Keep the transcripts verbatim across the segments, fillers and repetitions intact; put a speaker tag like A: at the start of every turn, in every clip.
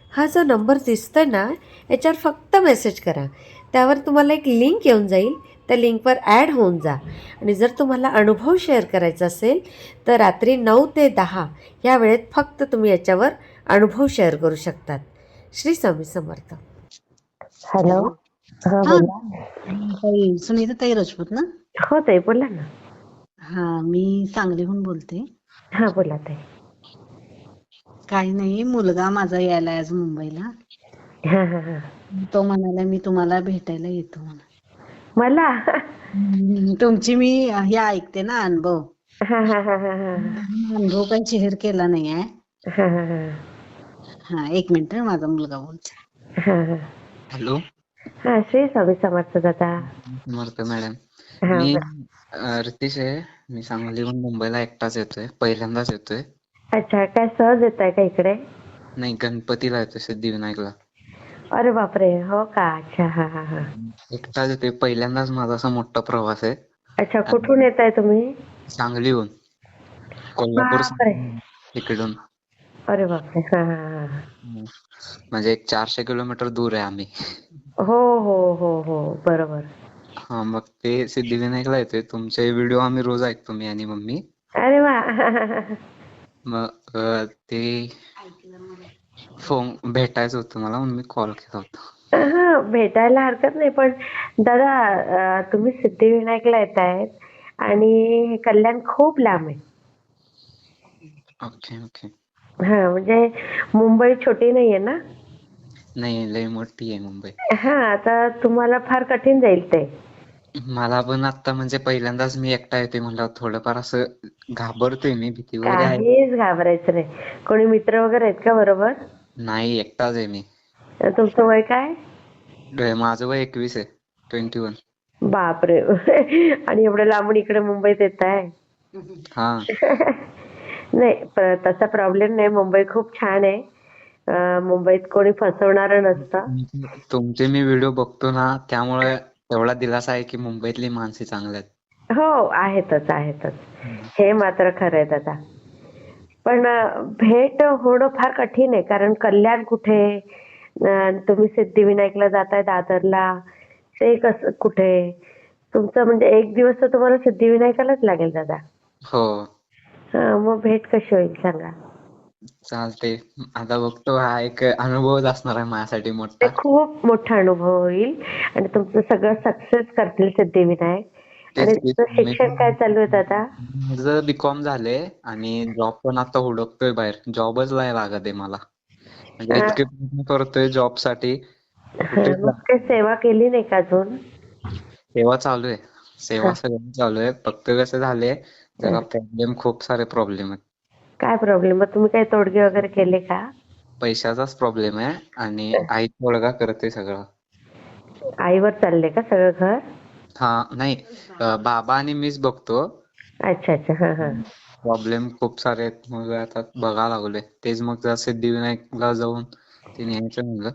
A: हा जो नंबर दिसतोय ना, याच्यावर फक्त मेसेज करा. त्यावर तुम्हाला एक लिंक येऊन जाईल. त्या लिंकवर ॲड होऊन जा आणि जर तुम्हाला अनुभव शेअर करायचा असेल तर रात्री नऊ ते दहा या वेळेत फक्त तुम्ही याच्यावर अनुभव शेअर करू शकतात. श्री स्वामी समर्थ. हॅलो.
B: हॅलो.
A: हां
B: हा
A: बोला.
B: ताई सुनीता ताई राजपूत ना.
A: हो ताई बोला ना.
B: हा मी सांगलीहून बोलते.
A: हां बोला ताई.
B: काही नाही, मुलगा माझा यायला आज मुंबईला.
A: हां हां हां.
B: तो म्हणाला मी तुम्हाला भेटायला येतो म्हणून.
A: मला.
B: हम्म, तुमची मी हे ऐकते ना अनुभव.
A: हां हां हां हां हां
B: अनुभव काही शेअर केला नाहीये.
A: हां हां हां
B: हा एक मिनिट हं, माझा मुलगा बोलतो.
A: हां हां.
C: हॅलो.
A: हां श्री स्वामी समर्थ दादा.
C: समर्थ मॅडम.
A: हां
C: मी
A: बोला.
C: अ, रितेश आहे. मी सांगलीहून मुंबईला एकटाच येतोय. पहिल्यांदाच येतोय.
A: अच्छा, काय सहज येत आहे का इकडे?
C: नाही, गणपतीला येतोय सिद्धिविनायकला.
A: अरे बापरे, हो का. अच्छा हां हां हां.
C: एकटाच येतोय. पहिल्यांदाच माझा असा मोठा प्रवास आहे.
A: अच्छा,
C: आणि
A: कुठून येत आहे तुम्ही?
C: सांगलीहून, कोल्हापूर
A: बापरे.
C: सांगली तिकडून.
A: अरे बापरे. हां हां हां.
C: हम्म. म्हणजे एक चारशे किलोमीटर दूर आहे आम्ही.
A: हो हो हो हो बरोबर.
C: हा, मग ते सिद्धिविनायकला येतोय. तुमचे व्हिडिओ आम्ही रोज ऐकतो, मी आणि मम्मी.
A: अरे वा.
C: मग अ, ते फोन भेटायचं होतं मला म्हणून मी कॉल केला होता.
A: हा भेटायला हरकत नाही, पण दादा अं, तुम्ही सिद्धिविनायकला येत आहेत आणि कल्याण खूप लांब आहे.
C: Okay okay.
A: हा म्हणजे मुंबई छोटी नाहीये ना.
C: नाही, लय मोठी आहे मुंबई.
A: हा आता तुम्हाला फार कठीण जाईल ते.
C: मला पण आता म्हणजे पहिल्यांदाच मी एकटा येते म्हणल्यावर थोडंफार असं घाबरतोय मी, भीती वगैरे आहे.
A: काहीच घाबरायचं नाही. कोणी मित्र वगैरे आहेत का बरोबर?
C: नाही, एकटाच आहे मी.
A: तुमचं वय काय?
C: ड- माझं वय एकवीस आहे. Twenty one.
A: बापरे. आणि एवढं लांबून इकडे मुंबईत येत आहे.
C: हा.
A: नाही प- तसा प्रॉब्लेम नाही. मुंबई खूप छान आहे. अं, मुंबईत कोणी फसवणारं नसतं.
C: तुमचे तुमचे मी व्हिडिओ बघतो ना, त्यामुळे एवढा दिलासा आहे की मुंबईतली माणसे चांगली आहेत.
A: हो आहेतच आहेतच.
C: हम्म.
A: हे मात्र खरं आहे दादा. पण अं, भेट होणं फार कठीण आहे, कारण कल्याण कुठे, अं, तुम्ही सिद्धिविनायकला जाताय दादरला, ते कसं कुठे. तुमचं म्हणजे एक दिवस तर तुम्हाला सिद्धिविनायकालाच लागेल दादा.
C: हो.
A: हा मग भेट कशी होईल सांगा.
C: चालते. आता बघतो, हा एक अनुभवच असणार आहे माझ्यासाठी
A: ते
C: मोठा.
A: खूप मोठा अनुभव होईल आणि तुमचं सगळं सक्सेस करतील सिद्धिविनायक. आणि
C: तेच की
A: तुमचं
C: मी
A: शिक्षण काय चालू आहे दादा?
C: माझं बीकॉम झालंय आणि जॉब पण आता हुडकतोय बाहेर. जॉबच नाही लागत आहे मला. म्हणजे
A: अं,
C: इतके प्रयत्न करतोय जॉब साठी,
A: हा,
C: कुठेच
A: मग काही सेवा केली नाही का अजून?
C: सेवा चालू आहे.
A: हा,
C: सेवा सगळं चालू आहे. फक्त कसं झालंय,
A: हा.
C: जरा प्रॉब्लेम, खूप सारे प्रॉब्लेम आहेत.
A: काय प्रॉब्लेम? मग तुम्ही काही तोडगे वगैरे केले का?
C: पैशाचाच प्रॉब्लेम आहे आणि आई तोडगा करते सगळं.
A: आईवर चालले का सगळं घर?
C: हा, नाही, अ, बाबा आणि मीच बघतो.
A: अच्छा अच्छा. हा हा.
C: प्रॉब्लेम खूप सारे आहेत. मग आता बघा लागलोय. तेच मग जरा सिद्धिविनायकला जाऊन ते न्यायचं म्हणलं.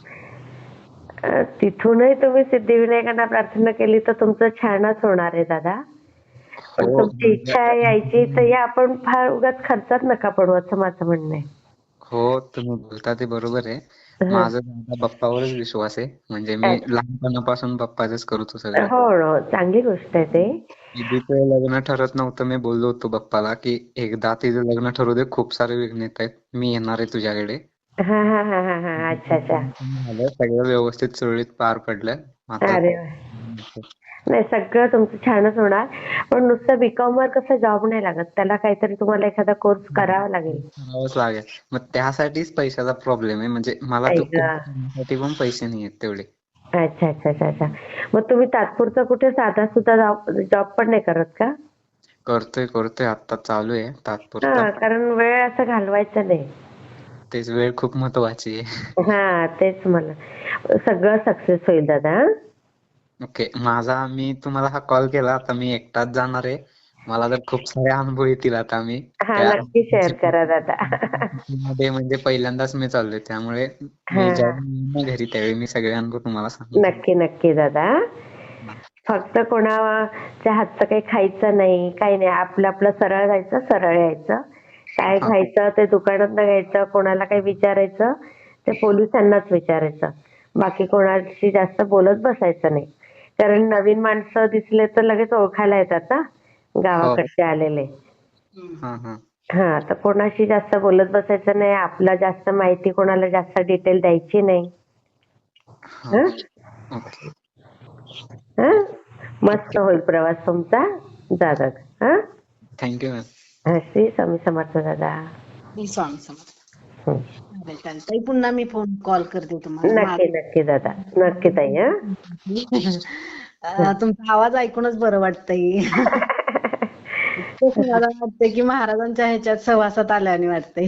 A: अं, तिथूनही तुम्ही सिद्धिविनायकांना प्रार्थना केली तर तुमचं छानच होणार आहे दादा. पण
C: हो,
A: तुमची इच्छा आहे यायची तर या, आपण फार उगाच खर्चात नका पडू असं माझं म्हणणं आहे.
C: हो, तुम्ही बोलता ते बरोबर आहे.
A: हं.
C: माझा माझा बाप्पावरच विश्वास आहे. म्हणजे मी
A: अच्छा.
C: लहानपणापासून बाप्पाचंच करतो सगळं.
A: हो हो चांगली गोष्ट आहे ते.
C: दीदीचं लग्न ठरत नव्हतं. मी बोललो होतो बाप्पाला की एकदा तिचं लग्न ठरू दे, खूप सारे विघ्न येत आहेत, मी येणार आहे तुझ्याकडे.
A: हा हा हा हा हा. अच्छा अच्छा.
C: झालं, सगळं व्यवस्थित सुरळीत पार पडलं. आता
A: अरे वा. नाही सगळं तुमचं छानच होणार. पण नुसतं बीकॉम वर कसं जॉब नाही लागत, त्याला काहीतरी तुम्हाला एखादा कोर्स करावा लागेल.
C: करावंच लागेल. मग त्यासाठीच पैशाचा प्रॉब्लेम आहे. म्हणजे मला तो
A: ऐका.
C: कोर्स करण्यासाठी पण पैसे नाही आहेत तेवढे.
A: अच्छा अच्छा अच्छा अच्छा. मग तुम्ही तात्पुरता कुठे साधा सुद्धा जॉब जॉब पण नाही करत का?
C: करतोय करतोय आता चालू आहे तात्पुरता.
A: हा कारण वेळ असं घालवायचा नाही.
C: तेच, वेळ खूप महत्वाची आहे.
A: हा तेच मला. सगळं सक्सेस होईल दादा. हं?
C: ओके. माझा मी तुम्हाला हा कॉल केला, आता मी एकटाच जाणार आहे. मला तर खूप सारे अनुभव येतील आता. मी
A: हा
C: त्या
A: नक्की शेअर करा दादा.
C: मध्ये म्हणजे पहिल्यांदाच मी चाललोय, त्यामुळे
A: हा
C: मी
A: हा.
C: जेव्हा येईन ना घरी त्यावेळी मी सगळे अनुभव तुम्हाला सांगेन.
A: नक्की नक्की दादा. फक्त कोणाच्या हातचं काही खायचं नाही, काही नाही. आपलं आपलं सरळ जायचं, सरळ यायचं. काय
C: हा.
A: घ्यायचं ते दुकानात घ्यायचं, कोणाला काही विचारायचं ते पोलिसांनाच विचारायचं. बाकी कोणाशी जास्त बोलत बसायचं नाही. कारण नवीन माणसं दिसले तर लगेच ओळखायला येतात ना
C: हो.
A: गावाकडचे आलेले.
C: हा हा
A: हा तर कोणाशी जास्त बोलत बसायचं नाही. आपला जास्त माहिती कोणाला जास्त डिटेल द्यायची नाही.
C: हा
A: हं?
C: ओके.
A: हं? मस्त होईल प्रवास तुमचा. जा दादा. हं?
C: Thank you ma'am.
A: हं, श्री स्वामी समर्थ दादा.
B: मी स्वामी समर्थ.
A: हं.
B: चालेल चालेल ताई, पुन्हा मी फोन कॉल करते तुम्हाला.
A: नक्की नक्की दादा. नक्की ताई. हं?
B: अं, तुमचा आवाज ऐकूनच बरं वाटतंय. खूप मला वाटतंय की महाराजांच्या ह्याच्यात सहवासात आल्याने वाटतंय.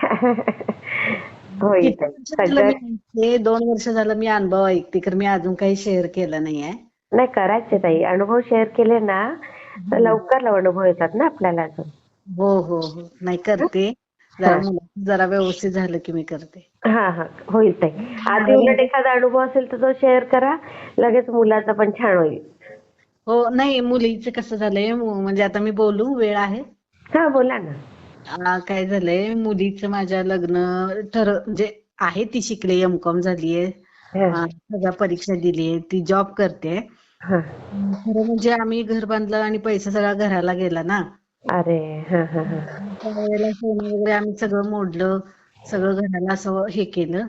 A: होईल
B: किती
A: ताई.
B: वर्ष झालं
A: सगळं
B: मी ऐकते, दोन वर्ष झालं मी अनुभव ऐकते, तर मी अजून काही शेअर केलं नाहीये.
A: नाही करायचे ताई. अनुभव शेअर केले ना तर लवकर अनुभव येतात ना आपल्याला अजून.
B: हो हो हो नाही करते. जरा मुलं जरा व्यवस्थित झालं की मी करते.
A: हा हा होईल ताई. आधी उलट एखादा अनुभव असेल तर तो शेअर करा. लगेच मुलाचा पण छान होईल.
B: हो नाही, मुलीचं कसं झालंय, मु- म्हणजे आता मी बोलू, वेळ आहे?
A: हा बोला ना.
B: आ, काय झालंय, मुलीचं माझ्या लग्न ठर म्हणजे आहे, ती शिकले, एम कॉम झालीये,
A: हा,
B: आ, सगळ्या परीक्षा दिलीये, ती जॉब करते.
A: हा.
B: खरं म्हणजे आम्ही घर बांधलं आणि पैसा सगळा घराला गेला ना.
A: अरे हा हा हा.
B: त्यावेळेला सोनं वगैरे आम्ही सगळं मोडलं, सगळं घराला असं हे केलं.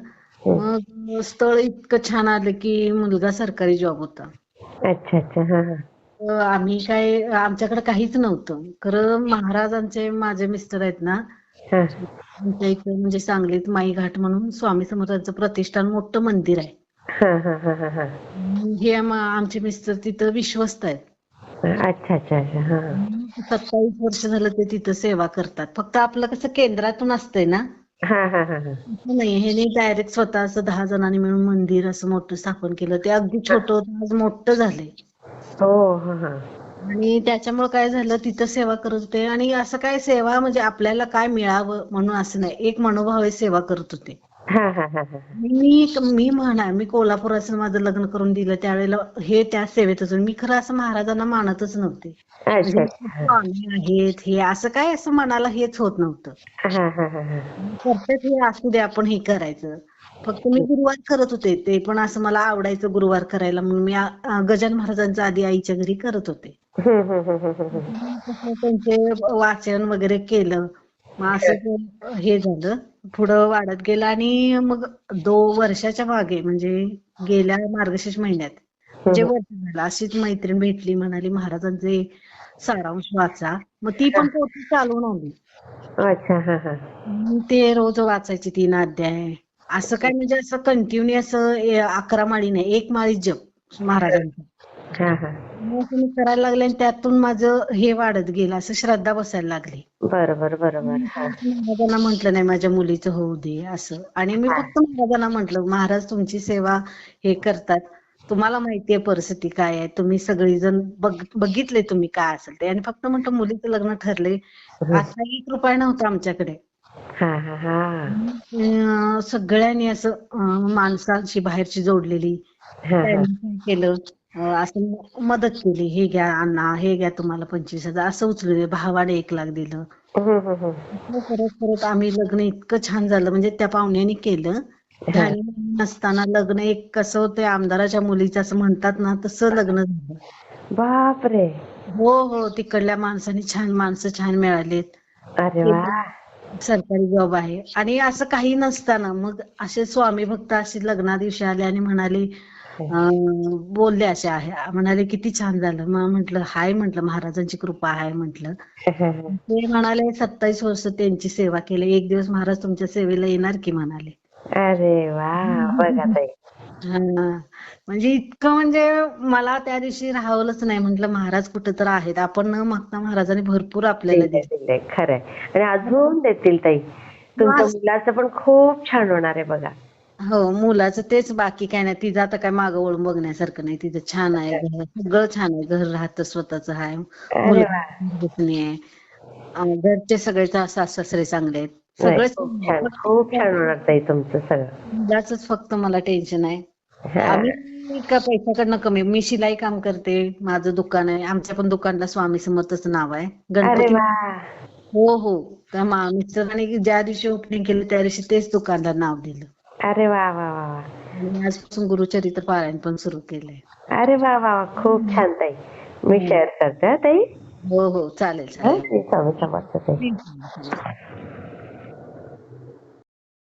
B: मग स्थळ इतकं छान आलं की मुलगा सरकारी जॉब होता.
A: अच्छा अच्छा. हा हा.
B: अ, आम्ही काय, आमच्याकडे काहीच नव्हतं. खरं महाराजांचे, माझे मिस्टर आहेत ना,
A: हा
B: आमच्या इथे म्हणजे सांगलीत माई घाट म्हणून स्वामी समर्थांचं प्रतिष्ठान मोठं मंदिर आहे.
A: हा हा हा हा हा.
B: हे आम- आमचे मिस्टर तिथं विश्वस्त आहेत.
A: अच्छा अच्छा अच्छा. हा
B: सत्तावीस वर्ष झालं ते तिथं सेवा करतात. फक्त आपलं कसं केंद्रातून असतंय ना,
A: हा हा हा हा.
B: असं नाही, हे डायरेक्ट स्वतः असं दहा जणांनी मिळून मंदिर असं मोठं स्थापन केलं. ते अगदी छोटं होतं, आज मोठं झालंय.
A: हो हा हा.
B: आणि त्याच्यामुळे काय झालं, तिथं सेवा करत होते. आणि असं काय सेवा म्हणजे आपल्याला काय मिळावं म्हणून असं नाही, एक मनोभावे सेवा करत होते.
A: हा हा हा हा.
B: मी मी म्हणा, मी कोल्हापुरात माझं लग्न करून दिलं त्यावेळेला हे त्या सेवेतच होते. मी खरं असं महाराजांना मानतच नव्हते.
A: अच्छा
B: म्हणजे
A: अच्छा.
B: स्वामी आहेत हे असं काय, असं मनाला हेच होत नव्हतं.
A: हा हा हा हा.
B: करतेच हे, असू दे आपण हे करायचं. फक्त मी गुरुवार करत होते, ते पण असं मला आवडायचं गुरुवार करायला, म्हणून मी आ- गजानन महाराजांचं आधी आईच्या घरी करत होते.
A: हम्म हम्म हम्म हम्म हम्म.
B: कसं त्यांचे वाचन वगैरे केलं, मग असं ते हे झालं, पुढं वाढत गेलं. आणि मग दोन वर्षाच्या मागे, म्हणजे गेल्या मार्गशीर्ष महिन्यात, म्हणजे वर्ष झालं, अशीच मैत्रीण भेटली, म्हणाली महाराजांचे सारांश वाचा. मग ती पण पोथी चालवून आली.
A: अच्छा हा हा.
B: मी ते रोज वाचायचे तीन अध्याय. असं काय म्हणजे असं कंटिन्यू असं ए- अकरा माळी नाही, एक माळी जप महाराजांचा.
A: हा हा.
B: मग तुम्ही करायला लागले आणि त्यातून माझं हे वाढत गेलं, असं श्रद्धा बसायला लागली.
A: बरोबर बरोबर.
B: मी
A: हा
B: फक्त महाराजांना म्हटलं नाही माझ्या मुलीचं होऊ दे असं. आणि मी फक्त महाराजांना म्हटलं, महाराज तुमची सेवा हे करतात, तुम्हाला माहितीये परिस्थिती काय आहे, तुम्ही सगळीजण बघ बघितले तुम्ही काय असेल ते. आणि फक्त म्हटलं मुलीचं लग्न ठरले, आता एक रुपया नव्हता आमच्याकडे.
A: हा हा हा.
B: अं, सगळ्यांनी असं अं, माणसांशी बाहेरची जोडलेली,
A: हा हा.
B: त्यांनी काय केलं, अं, असं मदत केली, हे घ्या अण्णा, हे घ्या तुम्हाला पंचवीस हजार असं उचलले, भावाने एक लाख दिलं.
A: हम्म हम्म हम्म.
B: असं करत करत आम्ही लग्न इतकं छान झालं, म्हणजे त्या पाहुण्याने केलं. ध्यानी नसताना लग्न एक कसं होतं, आमदाराच्या मुलीचं असं म्हणतात ना, तसं लग्न झालं.
A: बापरे.
B: हो हो, तिकडल्या माणसाने छान, माणसं छान मिळालीत.
A: अरे
B: ते
A: वा.
B: सरकारी जॉब आहे. आणि असं काही नसताना मग असे स्वामी भक्त असे लग्ना दिवशी आले आणि म्हणाले, अं, बोलले असे आहे, म्हणाले किती छान झालं. मग म्हटलं हाय, म्हटलं महाराजांची कृपा आहे म्हटलं. ते म्हणाले सत्तावीस वर्ष त्यांची सेवा केली, एक दिवस महाराज तुमच्या सेवेला येणार की म्हणाले.
A: अरे वा. बघा ताई.
B: हा, म्हणजे इतकं, म्हणजे मला त्या दिवशी राहवलंच नाही. म्हटलं महाराज कुठं तर आहेत, आपण न मागता महाराजांनी भरपूर आपल्याला
A: दिले
B: दिले.
A: दिले खरंय. आणि अजून देतील ताई. तुमच्या मुलाचं पण खूप छान होणार आहे बघा.
B: हो, मुलाचं तेच, बाकी काय नाही. तिचं आता काय मागं वळून बघण्यासारखं नाही. तिचं छान आहे, घर सगळं छान आहे, घर राहतं स्वतःचं आहे,
A: अरे वा.
B: मुलगा आहे, अं, घरचे सगळे सासू सासरे चांगले आहेत,
A: नाही
B: सगळेच
A: खूप
B: चांगले
A: छान
B: आहेत.
A: खूप छान
B: फक्त
A: होणार ताई तुमचं सगळं.
B: मुलाचंच फक्त मला टेन्शन आहे.
A: हा.
B: आम्ही का पैशाकडनं कमी, मी शिलाई काम करते, माझं दुकान आहे, आमच्या पण दुकानला स्वामी समर्थचं नाव आहे.
A: अरे
B: गणपती,
A: वा.
B: हो हो, त्या मा- मिस्टरांनी ज्या दिवशी ओपनिंग केलं त्या दिवशी तेच दुकानला नाव दिलं.
A: अरे वा वा वा वा.
B: आणि आजपासून गुरुचरित्र पारायण पण सुरू केलंय.
A: अरे वा वा वा, खूप छान ताई. मी शेअर करते हा ताई.
B: हो हो चालेल
A: हा,
B: चालेल.
A: स्वामी समर्थ ताई.
B: हम्म.